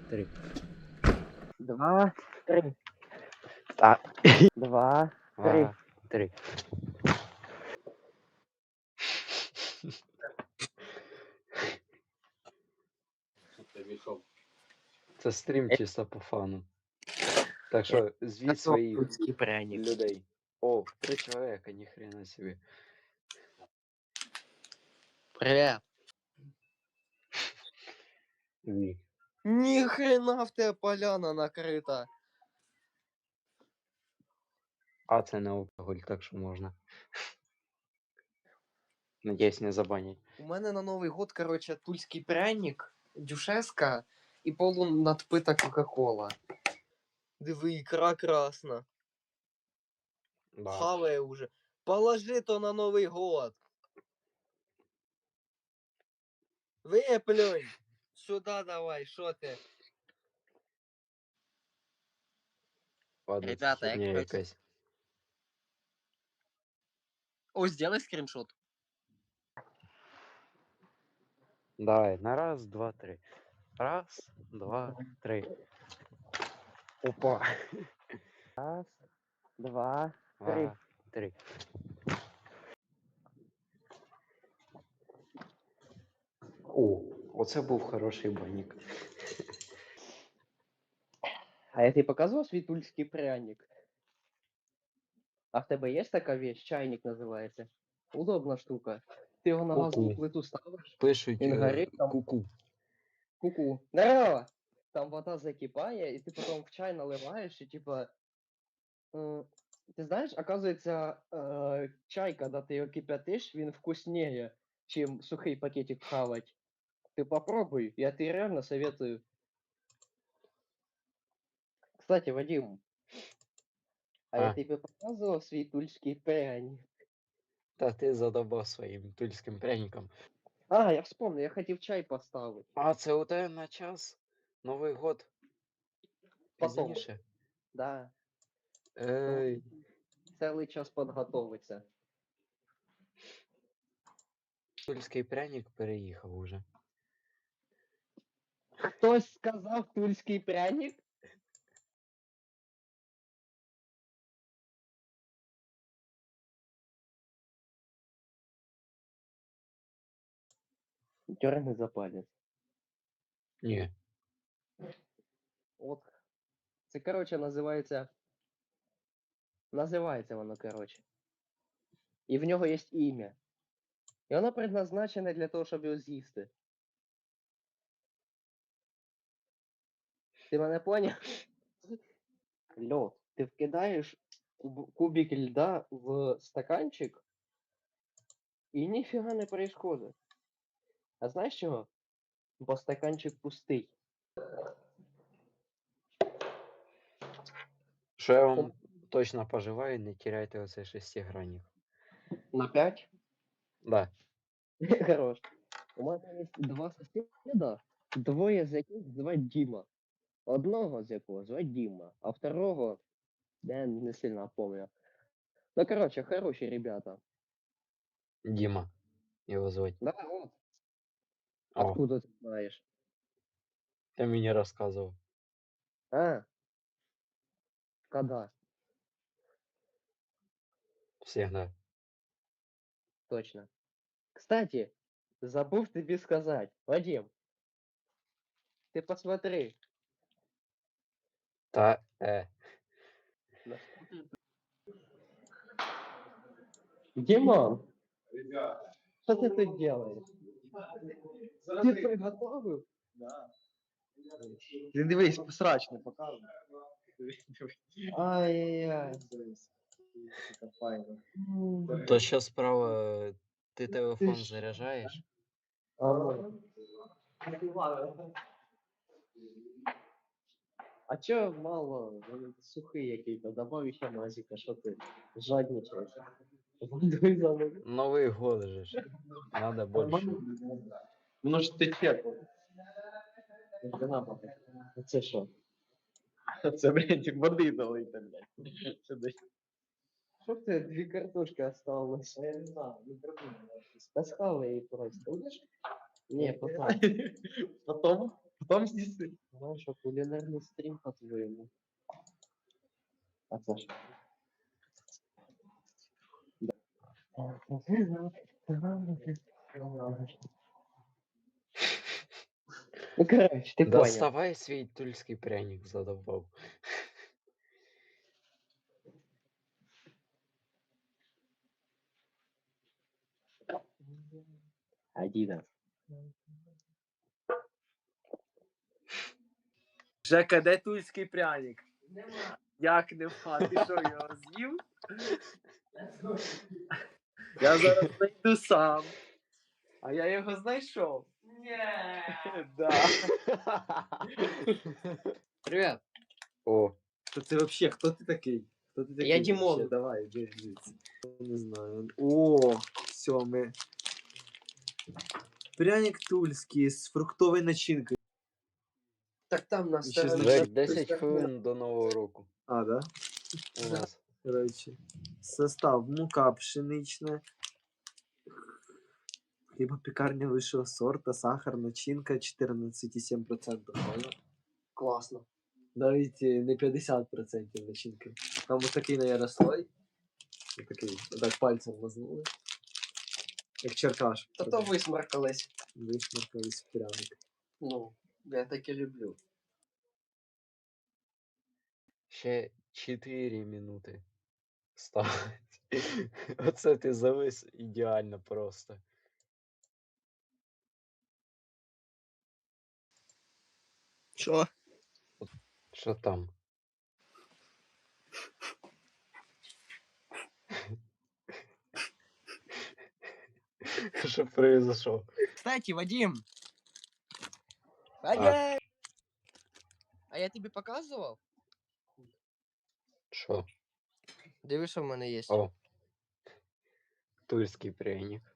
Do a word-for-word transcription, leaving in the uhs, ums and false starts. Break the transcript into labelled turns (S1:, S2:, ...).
S1: три.
S2: Два, три.
S1: А,
S2: Два, три.
S1: два, три. Це стрім чисто по фану. Так що звіть своїх
S2: Тульский пряник.
S1: людей. О, три чоловіка, ніхрена собі.
S2: Привет.
S1: Ні.
S2: Ни хрена в тебе поляна накрита.
S1: А це не алкоголь, так що можна. Надіюсь, не забанять.
S2: У мене на Новий год, короче, тульський пряник, дюшеска і полунадпита Кока-Кола. Диви, ікра красна.
S1: Да.
S2: Хаває уже. Положи то на Новий год. Виплюнь. Сюда давай, що ти?
S1: Ладно,
S2: Ребята,
S1: це
S2: я,
S1: херня
S2: короче-
S1: якась.
S2: О, сделай скриншот.
S1: Давай, на раз, два, три. Раз, два, три. Опа.
S2: Раз, два, три.
S1: Два, три. О, оце був хороший банік.
S2: А я тобі показував свій тульський пряник? А в тебе є така вещь? Чайник називається. Удобна штука. Ти його на газову
S1: Ку-ку.
S2: плиту ставиш,
S1: Пишуть
S2: він
S1: е,
S2: горить там.
S1: ку-ку.
S2: Ку-ку. Здорово! Там вода закипає, і ти потім в чай наливаєш, і типа. Е, ти знаєш, оказується, е, чай, коли ти його кипятиш, він вкуснее, чим сухий пакетик хавать. Ти попробуй, я тобі реально советую. Кстати, Вадим, а я
S1: А,
S2: тобі показував свій тульський пряник.
S1: та ти задобав своїм тульським пряником.
S2: А, я вспомнил, я хотів чай поставити.
S1: А, це у тебе на час? Новий год?
S2: Потом.
S1: Пізніше?
S2: Да.
S1: Ей,
S2: Цілий час підготовиться.
S1: тульський пряник переїхав уже.
S2: Хтось сказав тульський пряник? Дерни за палець.
S1: Ні.
S2: От. Це, короче, називається. Називається воно, короче. І в нього є ім'я. І воно предназначене для того, щоб його з'їсти. Ти мене поняв? Льо, ти вкидаєш куб- кубик льда в стаканчик, і ніфіга не происходит. А знаєш чого? Бо стаканчик пустий.
S1: Що я вам точно пожелаю, не теряйте оцей шестигранник.
S2: На п'ять?
S1: Да.
S2: Хорош. У мене є два сусіда, двоє з яких звать Діма. Одного з якого звать Діма, а второго я не сильно помню. Ну, короче, хороші ребята.
S1: Дима. Его звать.
S2: Да, вот.
S1: О,
S2: Откуда ты знаешь?
S1: ты мне рассказывал.
S2: А? Когда?
S1: Всегда.
S2: Точно. Кстати, забыл тебе сказать. Вадим, ты посмотри.
S1: Та, э.
S2: на что ты- Димон, что ты тут делаешь? Ты приготовил?
S3: Ти дивись, срач не показуй.
S2: Ай-яй-яй.
S3: Це файно.
S1: То сейчас справа ты телефон заряжаешь?
S2: А, ну. А чё мало? Він сухий який-то, добавь ще мазика, що ти жадничаєш? Водой залив.
S1: Новый год же ж. Надо больше.
S3: Воно ж тече.
S2: Це що?
S3: Це, блядь, води долити, блядь. Сюди.
S2: Що в тебе дві картошки осталось?
S3: Я не знаю, не придумав.
S2: Та схавай її просто. Будеш? Ні, потом.
S3: Потом? Там з'їси.
S2: Знаєш, що кулінарний стрім по-твоєму.
S3: А це ж.
S2: Ну, короче, ти понял.
S1: Доставай свій тульський пряник, задовбав.
S2: Адідас.
S3: Жека, де тульський пряник? Нема. Як нема? Ти що, його з'їв? Я зараз знайду сам. А я його знайшов. Ні. Да.
S2: Привет.
S1: О,
S3: То це взагалі, хто ти такий? Хто ти такий?
S2: Я Дімон.
S3: вообще? Давай, іди звідси. Не знаю. О, все, ми. Пряник тульський з фруктовою начинкою.
S2: Так там на
S3: І ще
S2: стороні.
S3: значить,
S1: Жек, десять хвилин до Нового року
S3: А, да?
S1: у нас.
S3: Короче. Состав: мука пшенична, хлібопекарня вищого сорта, сахар, начинка чотирнадцять цілих сім десятих відсотка.
S2: Класно.
S3: Навіть е, не п'ятдесят відсотків начинки. Там ось такий, наверное, слой. Ось такий, так пальцем мазнули. Як черкаш.
S2: Та то висмаркались.
S3: Вишмаркались в пряник.
S2: Ну, я таке люблю.
S1: Ще чотири минути. Ставить. Оце ти завис ідеально просто.
S2: Що?
S1: Що там? Що произошло?
S2: Кстати, Вадим. Вадим! А я тобі показував?
S1: Що?
S2: Диви, що в мене є.
S1: О. Тульський пряник.